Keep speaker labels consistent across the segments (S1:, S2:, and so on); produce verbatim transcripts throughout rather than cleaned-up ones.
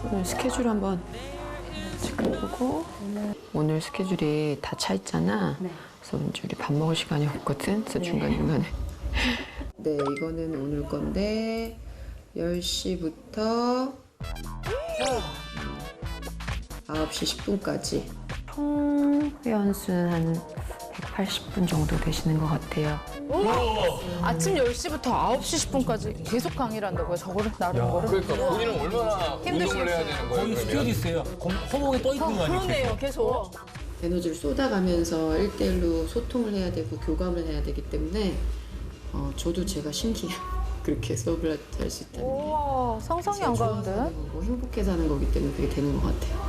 S1: 오늘 스케줄 한번 체크해보고. 오늘 스케줄이 다 차 있잖아.
S2: 네.
S1: 그래서 왠지 우리 밥 먹을 시간이 없거든. 그래서
S2: 네.
S1: 중간중간에. 네, 이거는 오늘 건데 열 시부터 아홉 시 십 분까지. 총 회원수는 한 백팔십 분 정도 되시는 것 같아요.
S3: 아침 열 시부터 아홉 시 십 분까지 계속 강의를 한다고요? 저거를 나름 거를?
S4: 그러니까 본인은 얼마나 운동을 해야 되는 거예요?
S5: 거의
S4: 그러면?
S5: 스튜어디스예요. 허공에 떠 있는 거 아니에요?
S3: 그러네요, 계속.
S1: 에너지를 쏟아가면서 일대일로 소통을 해야 되고 교감을 해야 되기 때문에 어, 저도 제가 신기해요. 그렇게 수업을 할 수 있다는 게.
S3: 우와, 상상이 안 가는데?
S1: 거고 행복해서 하는 거기 때문에 그게 되는 것 같아요.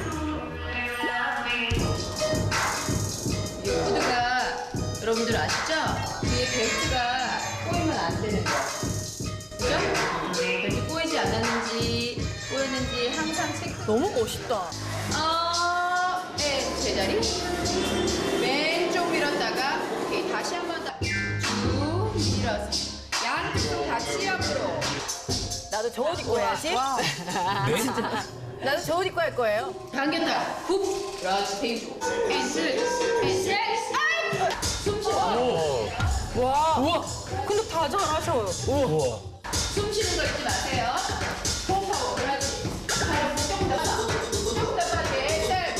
S6: 이 코드가 여러분들 아시죠? 뒤에 벨트가 꼬이면 안 되는 거. 그죠? 벨트 꼬이지 않았는지 꼬였는지 항상 체크.
S3: 너무 멋있다.
S6: 어, 네, 제자리. 왼쪽 밀었다가 오케이 다시 한 번 더. 쭉 밀어서 양쪽 다 치압으로.
S3: 나도 저 옷 입고 해야지.
S5: 네?
S3: 나도 저 옷 입고 할 거예요.
S6: 당겼다. 굽. 그렇지. 페이스. 펜슬. 펜슬. 아이. 숨 쉬어.
S3: 와. 우와. 근데 다 잘하셔요.
S5: 우와.
S6: 숨 쉬는 거 잊지 마세요. 호흡하고 그렇지. 발 조금 더 봐. 조금 더 봐. 넷, 넷,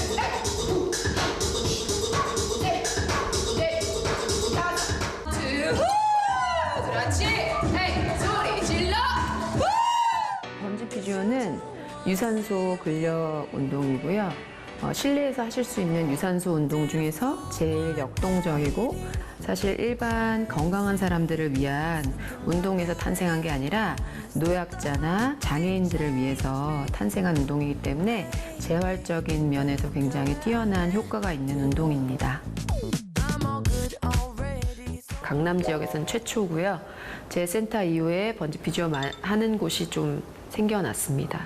S6: 넷, 넷, 다섯, 쭉. 그렇지. 헤이, 소리 질러.
S1: 번지 피지오는 유산소 근력 운동이고요. 어, 실내에서 하실 수 있는 유산소 운동 중에서 제일 역동적이고 사실 일반 건강한 사람들을 위한 운동에서 탄생한 게 아니라 노약자나 장애인들을 위해서 탄생한 운동이기 때문에 재활적인 면에서 굉장히 뛰어난 효과가 있는 운동입니다. 강남 지역에서는 최초고요. 제 센터 이후에 번지 피지오 하는 곳이 좀 생겨났습니다.